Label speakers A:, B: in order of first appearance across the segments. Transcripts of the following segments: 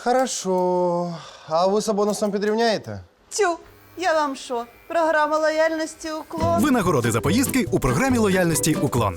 A: Хорошо. А ви з бонусом підрівняєте?
B: Тю, я вам що? Програма лояльності «Уклон».
C: Винагороди за поїздки у програмі лояльності «Уклон».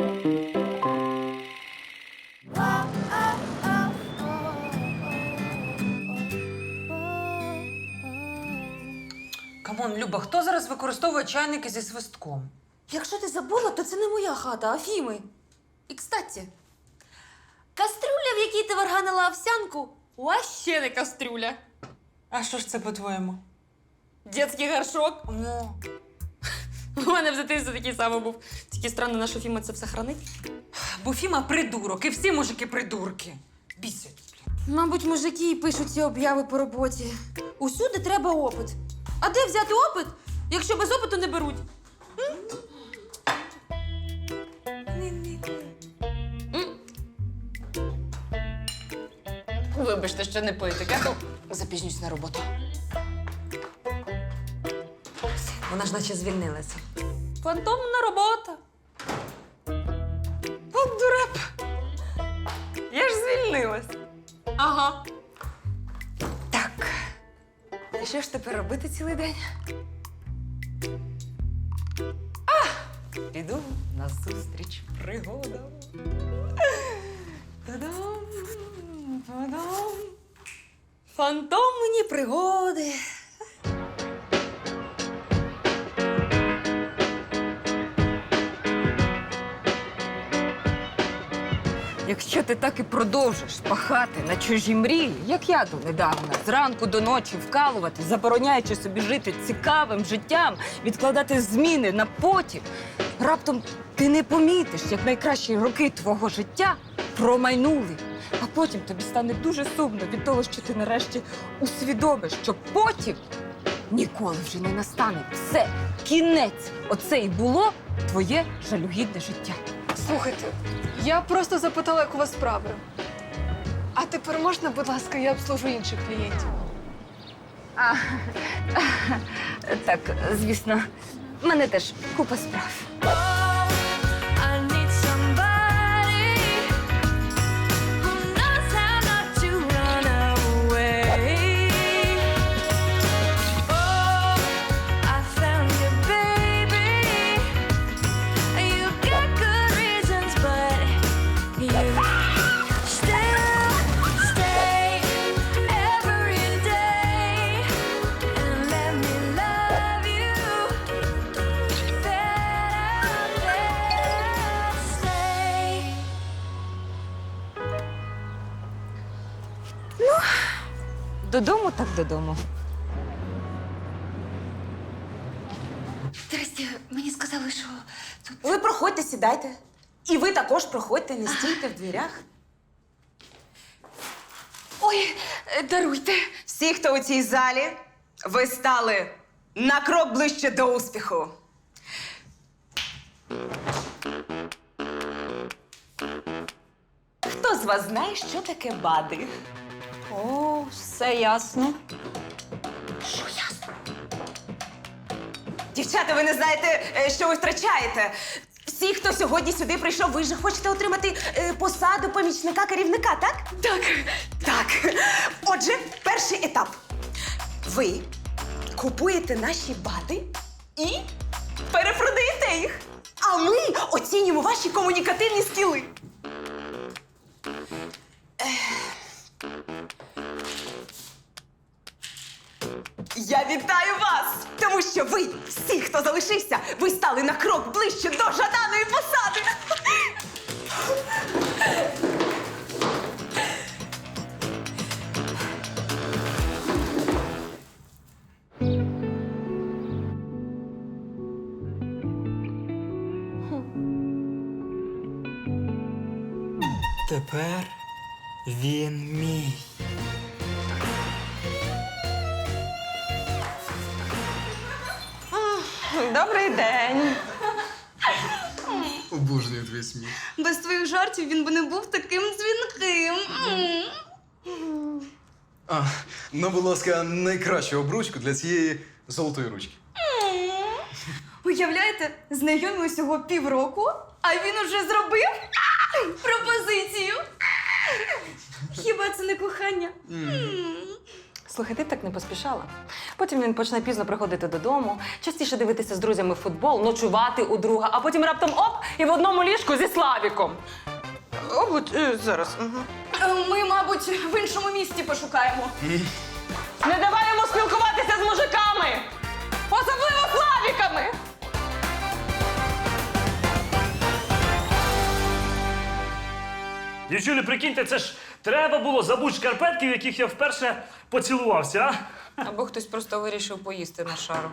D: Камон, Люба, хто зараз використовує чайники зі свистком?
E: Якщо ти забула, то це не моя хата, а Фіми. І, кстати, кастрюля, в якій ти варганила овсянку, вообще не кастрюля.
D: А що ж це, по-твоєму?
E: Детський горшок.
D: Ну,
E: У мене в дитинстві такий самий був. Тільки странно, наша Фіма це все хранить.
D: бо Фіма придурок, і всі мужики придурки. Бісять, блін.
E: Мабуть, мужики і пишуть ці обяви по роботі. Усюди треба опит. А де взяти опит, якщо без опиту не беруть? Вибачте, що не пийте, я запізнюсь на роботу.
D: Вона ж наче звільнилася.
E: Фантомна робота.
D: От дуреп. Я ж звільнилась.
E: Ага.
D: Так. І що ж тепер робити цілий день? Піду на зустріч пригодам. Та-дам, та-дам.
E: Фантомні пригоди.
F: Якщо ти так і продовжиш пахати на чужі мрії, як я донедавна, зранку до ночі вкалувати, забороняючи собі жити цікавим життям, відкладати зміни на потім, раптом ти не помітиш, як найкращі роки твого життя промайнули. А потім тобі стане дуже сумно від того, що ти нарешті усвідомиш, що потім ніколи вже не настане. Все, кінець. Оце і було твоє жалюгідне життя.
G: Слухайте, я просто запитала, як у вас справи. А тепер можна, будь ласка, я обслужу інших клієнтів?
F: Так, звісно, в мене теж купа справ. Додому так додому.
E: Здрасте, мені сказали, що тут...
H: Ви проходьте, сідайте. І ви також проходьте, не стійте в дверях.
E: Ой, даруйте.
H: Всі, хто у цій залі, ви стали на крок ближче до успіху. Хто з вас знає, що таке БАДи?
F: О, все ясно.
H: Що ясно? Дівчата, ви не знаєте, що ви втрачаєте. Всі, хто сьогодні сюди прийшов, ви ж хочете отримати посаду помічника керівника, так? Так. Так. Отже, перший етап. Ви купуєте наші БАДи і перепродаєте їх. А ми оцінюємо ваші комунікативні скіли. Я вітаю вас! Тому що ви, всі, хто залишився, ви стали на крок ближче до жаданої посади!
I: Тепер він мій.
H: Добрий день!
I: Обожнюю твій сміх.
E: Без твоїх жартів він би не був таким дзвінким.
I: Будь ласка, найкращу обручку для цієї золотої ручки.
E: Уявляєте, знайомі усього півроку, а він уже зробив пропозицію. Хіба це не кохання?
F: Слухай, ти б так не поспішала. Потім він почне пізно приходити додому, частіше дивитися з друзями футбол, ночувати у друга, а потім раптом оп, і в одному ліжку зі Славіком.
B: Зараз.
E: Ми, мабуть, в іншому місті пошукаємо.
F: Не давай йому спілкуватися з мужиками! Особливо Славіками!
J: Дівчулі, прикиньте, це ж треба було забути шкарпетки, в яких я вперше поцілувався, а?
F: Або хтось просто вирішив поїсти на шару.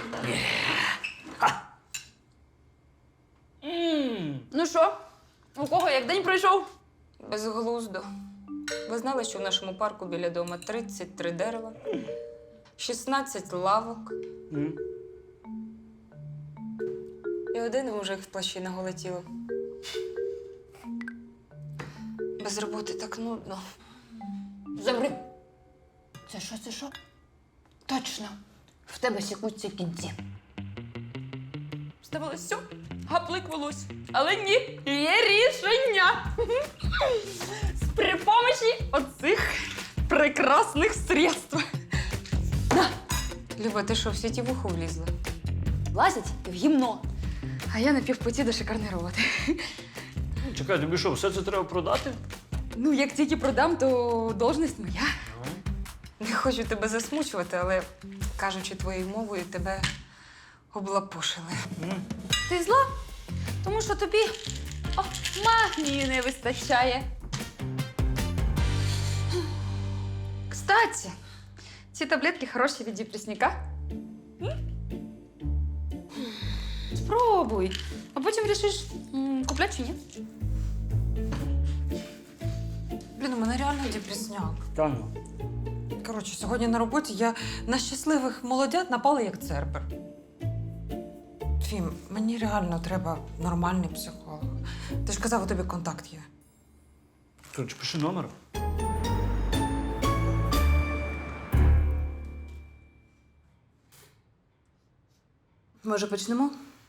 E: Ну що, у кого як день пройшов?
F: Безглуздо. Ви знали, що в нашому парку біля дома 33 дерева, 16 лавок і один мужик в плащі на голе тіло. Без роботи так нудно.
E: Замри. Це що? Точно. В тебе сікуться кінці. Здавалось, все, гаплик волосся. Але ні, є рішення. При помощі оцих прекрасних средств.
F: Люба, ти що, в сітівуху влізла?
E: Лазять в гімно. А я на півпуті до шикарної роботи.
J: Чекай, тобі що, все це треба продати?
E: Ну, як тільки продам, то должність моя.
F: Не хочу тебе засмучувати, але, кажучи твоєю мовою, тебе облапошили.
E: Ти зла? Тому що тобі магнію не вистачає. Кстати, ці таблетки хороші від депресника. Спробуй. А потім вирішиш, купляти чи ні.
D: Блін, у мене реально депресняк.
J: Та ну.
D: Коротше, сьогодні на роботі я на щасливих молодят напала як цербер. Фім, мені реально треба нормальний психолог. Ти ж казав, у тебе контакт є.
J: Коротше, пиши номер.
F: Може, почнемо?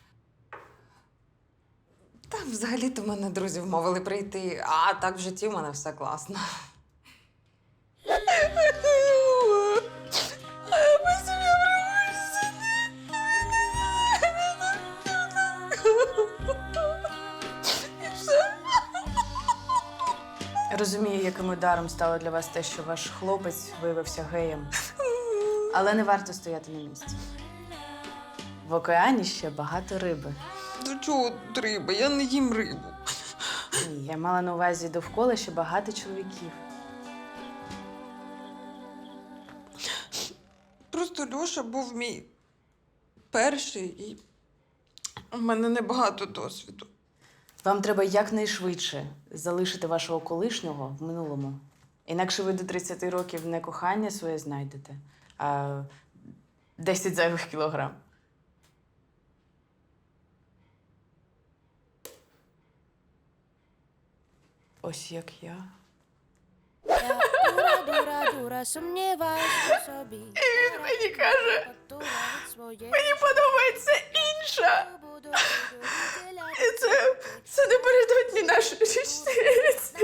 D: Та взагалі-то в мене друзі вмовили прийти, а так в житті в мене все класно.
K: Розумію, яким ударом стало для вас те, що ваш хлопець виявився геєм. Але не варто стояти на місці. В океані ще багато риби.
D: До чого риба? Я не їм рибу.
K: Ні, я мала на увазі довкола ще багато чоловіків.
D: Просто Льоша був мій перший і у мене небагато досвіду.
K: Вам треба якнайшвидше залишити вашого колишнього в минулому. Інакше ви до 30 років не кохання своє знайдете, а 10 зайвих кілограм. Ось як я.
E: І він мені каже, мені подобається інша. І це напередодні нашої річниці.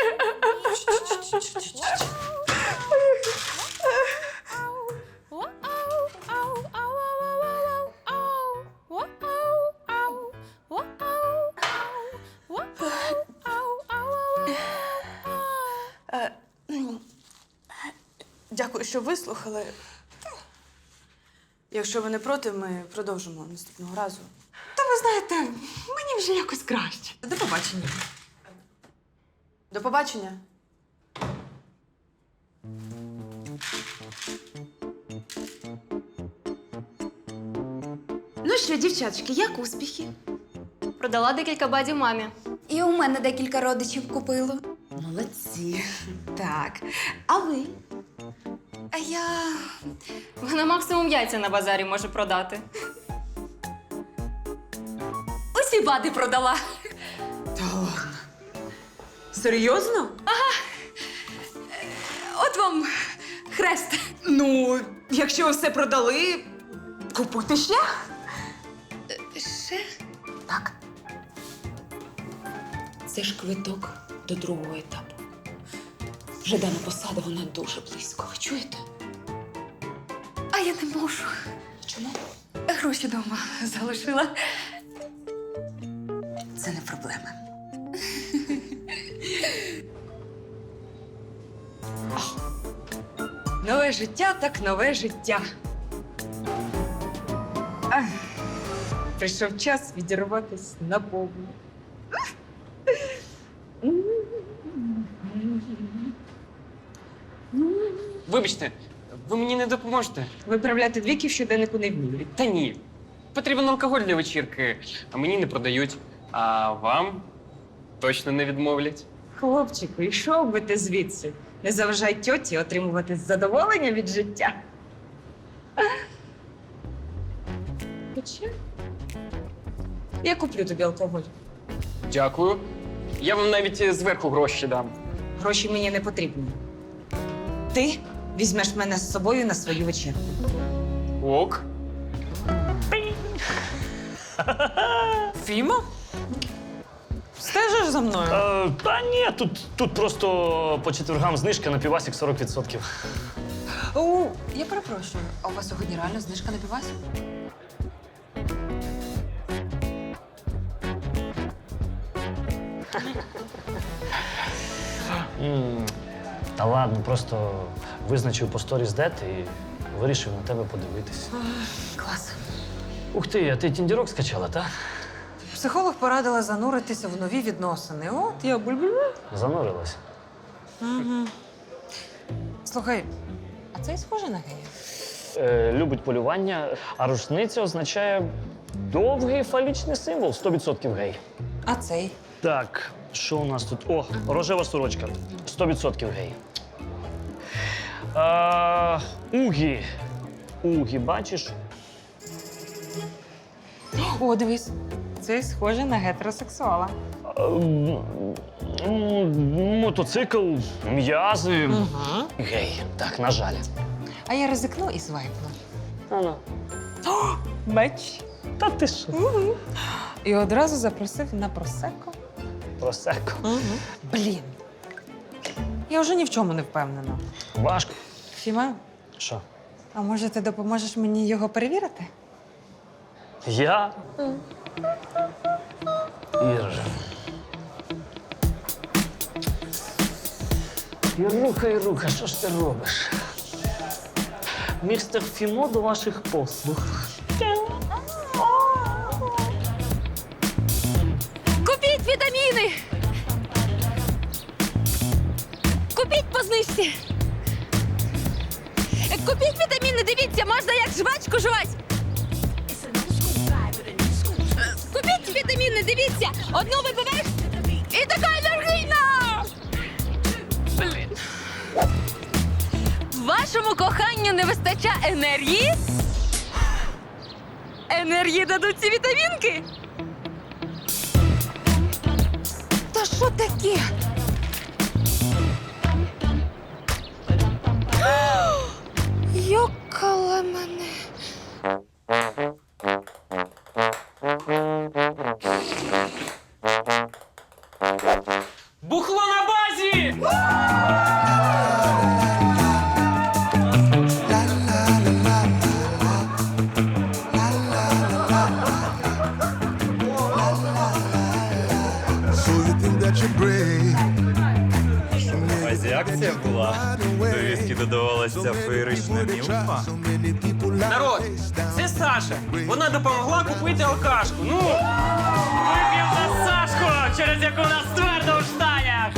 K: Дякую, що вислухали. Якщо ви не проти, ми продовжимо наступного разу.
D: Та ви знаєте, мені вже якось краще. До побачення.
K: До побачення.
H: Ну що, дівчаточки, як успіхи?
E: Продала декілька бадів мамі.
L: І у мене декілька родичів купило.
H: Молодці. Так. А ви?
E: А вона максимум яйця на базарі може продати. Усі бади продала.
H: Та ладно. Серйозно?
E: От вам хрест.
H: Ну, якщо все продали, купуйте ще.
E: Ще?
H: Так. Це ж квиток до другого етапу.
K: Вже дана посада, вона дуже близько. Ви чуєте?
L: А я не можу.
K: Чому?
L: Гроші вдома залишила.
K: Це не проблема.
F: Нове життя так нове життя. Ах, прийшов час відірватися наповну.
M: Вибачте, ви мені не допоможете?
F: Виправляти двійки в щоденнику не вмію.
M: Та ні. Потрібен алкоголь для вечірки, а мені не продають. А вам точно не відмовлять.
F: Хлопчику, йшов би ти звідси. Не заважай тьоті отримувати задоволення від життя. Хоча я куплю тобі алкоголь.
M: Дякую. Я вам навіть зверху гроші дам.
F: Гроші мені не потрібні. Ти візьмеш мене з собою на свою вечірку.
M: Ок.
D: Фіма? Стежиш за мною?
J: Та ні, тут просто по четвергам знижка на півасік 40%.
E: Я перепрошую, а у вас сьогодні реально знижка на півасі?
J: Та ладно, просто визначив по сторіс дет і вирішив на тебе подивитись.
E: Клас.
J: Ух ти, а ти тіндірок скачала, так?
D: Психолог порадила зануритися в нові відносини. От я бульбулю.
J: Занурилась.
D: Слухай, а це й схоже на гея?
J: Любить полювання, а рушниця означає довгий фалічний символ, 100% гей.
D: А цей?
J: Так, що у нас тут? О, рожева сорочка. 100% гей. Угі. Угі, бачиш?
D: О, дивись. Це схоже на гетеросексуала.
J: Мотоцикл, м'язи. Гей. Так, на жаль.
D: А я ризикну і свайпну.
J: Меч. Та ти що?
D: І одразу запросив на просеко.
J: Просеко.
D: Блін. Я вже ні в чому не впевнена.
J: Важко.
D: Фіма,
J: Що?
D: а може ти допоможеш мені його перевірити?
J: Я? Ір. Іруха, що ж ти робиш? Містер Фімо до ваших послуг.
E: Купіть вітаміни! Купіть по знижці! Купіть вітаміни, дивіться, можна як жвачку жувати! Купіть вітаміни, дивіться! Одну випиваєш і така енергійна! Блін. Вашому коханню не вистачає енергії? Енергії дадуть ці вітамінки? Та що таке? Йокала мене.
M: Бухло на базі!
N: Базі акція була. До віскі додавалася феєрична мілфа.
M: Народ, це Саша. Вона допомогла купити алкашку. Ну,
J: Вип'ємо за Сашку, через яку нас твердо в штанях!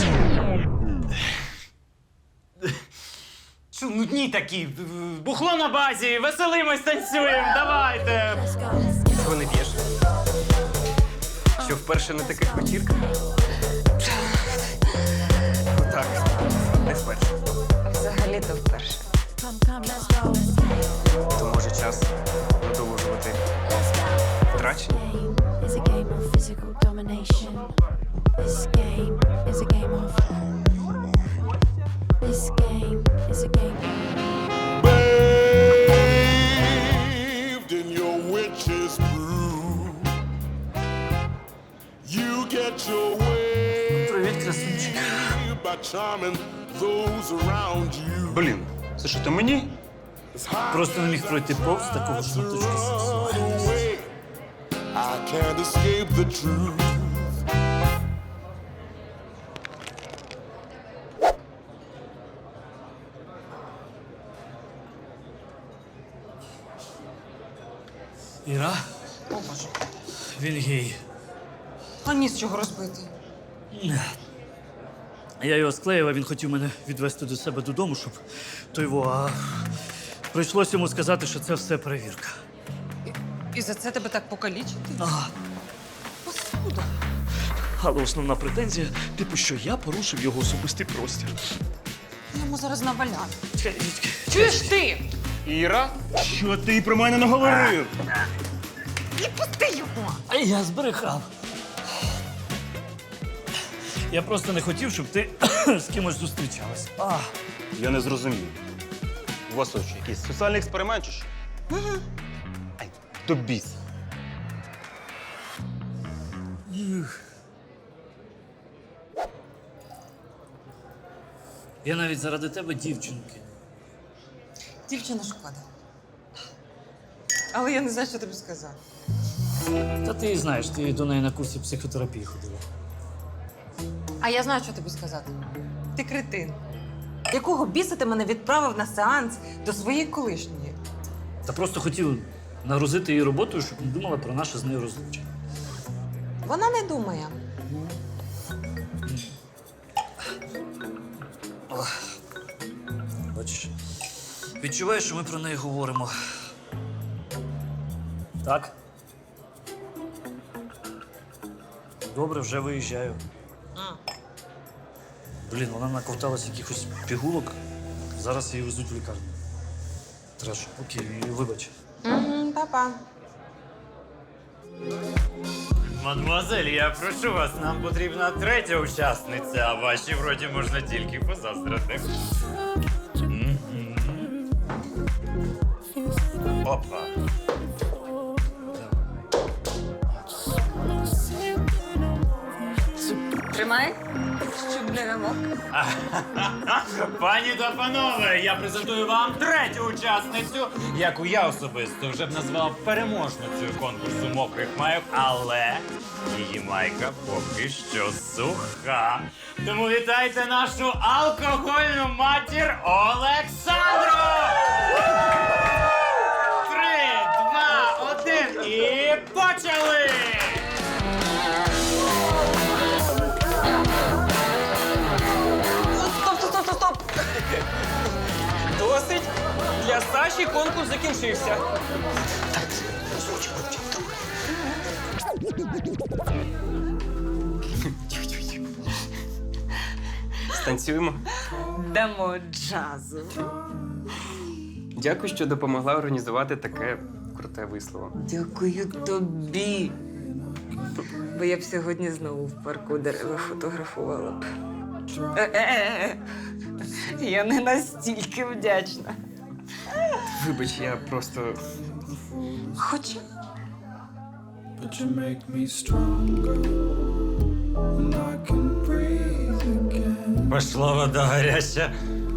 N: Що нудні такі? Бухло на базі, веселимось, танцюємо, давайте.
M: чого не п'єш? Що вперше на таких вечірках? Так, не вперше.
D: Взагалі-то вперше.
M: То може час продовжувати втрачення?
N: Привіт, красунчик.
M: Блін, це що ти мені?
N: Просто не міг пройти повз такого шматочка сексуальності. Іра?
F: О, Боже.
N: Він гей.
F: А ніс чого розбити?
N: Я його склеїв, а він хотів мене відвезти до себе додому, щоб то його. А прийшлось йому сказати, що це все перевірка.
F: І за це тебе так покалічити?
N: Ага.
F: Посуда.
N: Але основна претензія, типу, що я порушив його особистий простір.
F: Я йому зараз наваляю. Чуєш ти?
M: Іра?
N: Що ти про мене наговорив?
F: Не пусти його!
N: А я збрехав. Я просто не хотів, щоб ти з кимось зустрічалась.
M: Я не зрозумів. У вас що, якийсь соціальний експеримент чи що? Ай, до біса.
N: Я навіть заради тебе дівчинки.
F: Дівчина шкода. Але я не знаю, що тобі сказати.
N: Та ти знаєш, ти до неї на курсі психотерапії ходила.
F: А я знаю, що тобі сказати. Ти кретин. Якого біса ти мене відправив на сеанс до своєї колишньої?
N: Та просто хотів нагрузити її роботою, щоб не думала про наше з нею розлучення.
F: Вона не думає.
N: Бачиш, відчуваю, що ми про неї говоримо. Так? Добре, вже виїжджаю. Блін, вона наковталась якихось пігулок. Зараз її везуть в лікарню. Треш. Окей, вибач.
F: Па-па.
N: Мадемуазель, я прошу вас, нам потрібна третя учасниця, а вашій вроді можна тільки позаздрити. Опа.
F: Тримай, щоб не намок.
N: Пані та панове, я презентую вам третю учасницю, яку я особисто вже б назвав переможницею конкурсу мокрих майок, але її майка поки що суха. Тому вітайте нашу алкогольну матір Олександру! 3, 2, 1 і почали!
M: Стоп! Досить! Для Саші конкурс закінчився. Станцюємо.
F: Дамо джазу.
M: Дякую, що допомогла організувати таке круте вислово.
F: Дякую тобі. Бо я б сьогодні знову в парку дерева фотографувала б. Я не настільки вдячна.
M: Вибач, я просто.
F: Хоча.
N: Пошла вода горяча.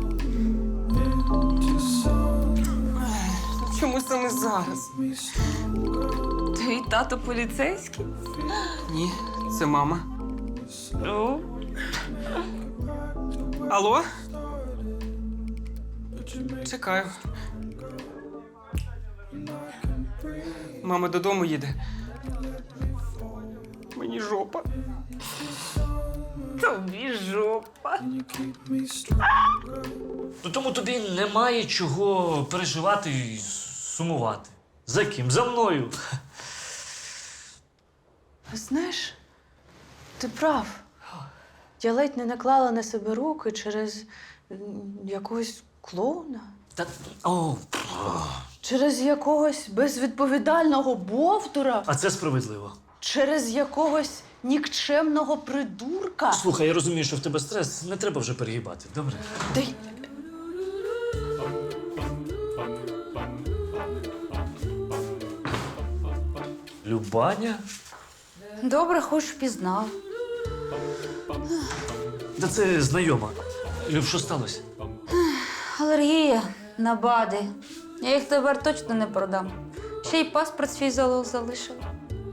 F: Чому саме зараз? Твій тато поліцейський?
M: Ні, це мама.
F: О.
M: Алло? Чекаю. Мама додому їде. Мені жопа.
F: Тобі жопа.
N: Тому тобі немає чого переживати і сумувати. За ким? За мною.
K: Знаєш, ти прав. Я ледь не наклала на себе руки через якогось клоуна.
N: Та о.
K: Через якогось безвідповідального бовдура.
N: А це справедливо.
K: Через якогось нікчемного придурка.
N: Слухай, я розумію, що в тебе стрес. Не треба вже перегибати, добре?
K: Та й...
N: Любаня?
L: Добре, хоч впізнав.
N: Та це знайома.
J: Люб, що сталося?
E: Алергія на БАДи. Я їх тепер точно не продам. Ще й паспорт свій залишила.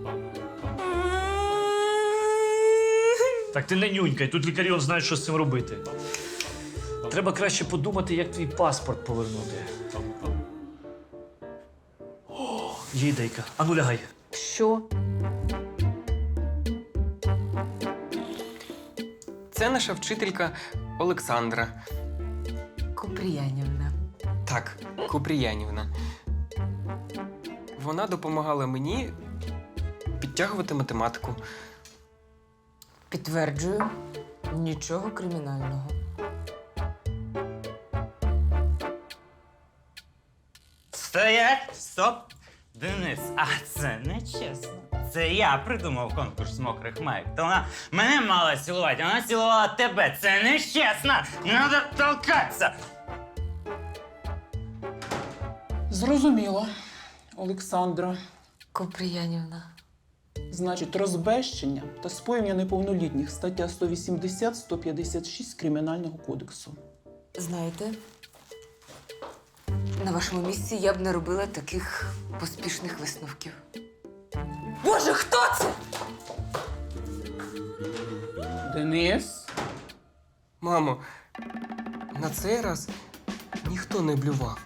J: Так ти не нюнькай, тут лікарі он знають, що з цим робити. Треба краще подумати, як твій паспорт повернути. О, є ідейка. Ану, лягай.
E: Що?
M: Це наша вчителька Олександра.
K: Купріянівна.
M: Так, Купріянівна. Вона допомагала мені підтягувати математику.
K: Підтверджую, нічого кримінального.
N: Стоять! Стоп! Денис, а це не чесно. Це я придумав конкурс мокрих маєк. То вона мене мала цілувати, а вона цілувала тебе. Це не чесно! Не треба толкатися!
O: Зрозуміло, Олександра.
K: Купріянівна.
O: Значить, розбещення та споєння неповнолітніх. Стаття 180-156 Кримінального кодексу.
K: Знаєте, на вашому місці я б не робила таких поспішних висновків. Боже, хто це?
O: Денис?
M: Мамо, на цей раз ніхто не блював.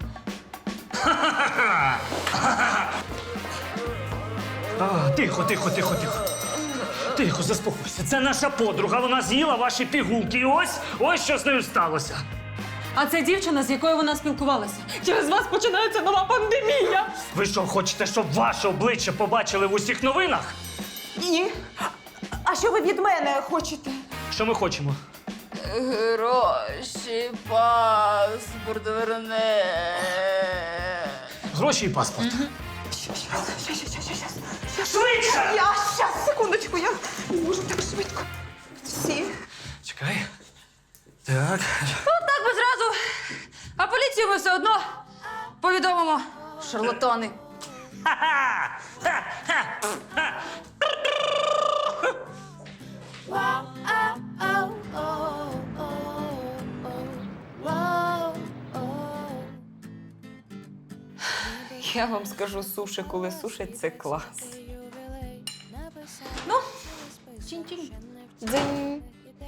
J: Тихо, тихо, тихо, тихо. Тихо, заспокойся. Це наша подруга, вона з'їла ваші пігулки. І ось що з нею сталося.
G: А це дівчина, з якою вона спілкувалася. Через вас починається нова пандемія.
J: Ви що, хочете, щоб ваше обличчя побачили в усіх новинах?
H: Ні. А що ви від мене хочете?
J: Що ми хочемо?
E: Гроші, паспорт верне.
J: Гроші і паспорт.
H: Швидше! Щас, секундочку, я не можу так швидко. Всі.
J: Чекай. Так.
E: Так би зразу. А поліцію ми все одно повідомимо. Шарлатани.
F: Я вам скажу, суші, коли сушать, це клас.
E: Ну, чинь-чинь.
F: Дзинь.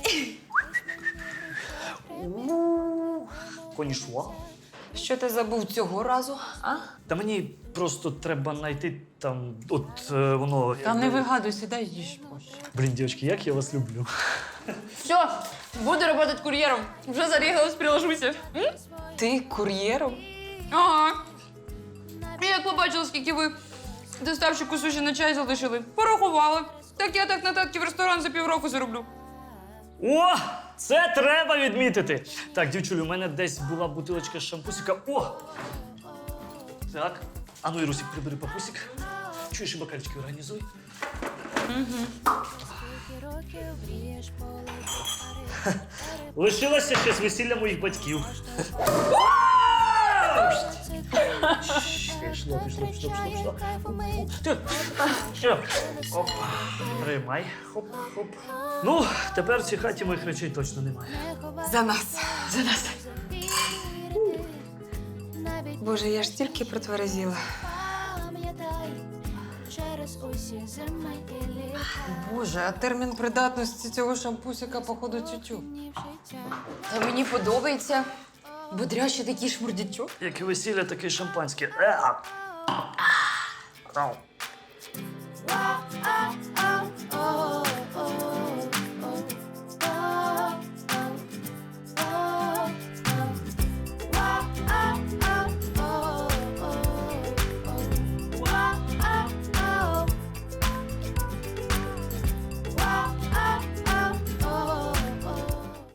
J: Конішуа.
F: Що ти забув цього разу, а?
J: Та мені просто треба знайти там, воно...
G: Та не вигадуй, сідай, їж.
J: Блін, дівчатки, як я вас люблю.
E: Все, буду працювати кур'єром. Вже зарігалась, приложуся.
F: Ти кур'єром?
E: Ага. І як побачила, скільки ви доставщику суші на чай залишили, порахувала. Так я так нотатки в ресторан за півроку зароблю.
J: О! Це треба відмітити! Так, дівчулі, у мене десь була бутилочка шампусика. О! Так. А ну, Ірусік, прибери папусик. Чуєш, і бокальчики організуй. Лишилося ще з весілля моїх батьків. Пішло. Що? Оп. Тримай. Хоп. Ну, тепер в цій хаті моїх речей точно немає.
F: За нас. За нас. Боже, я ж тільки протверезіла. Боже, а термін придатності цього шампусика, походу, тютю.
E: Та мені подобається. Бодряще такий шмурдячок.
J: Як і весілля, таке й шампанське.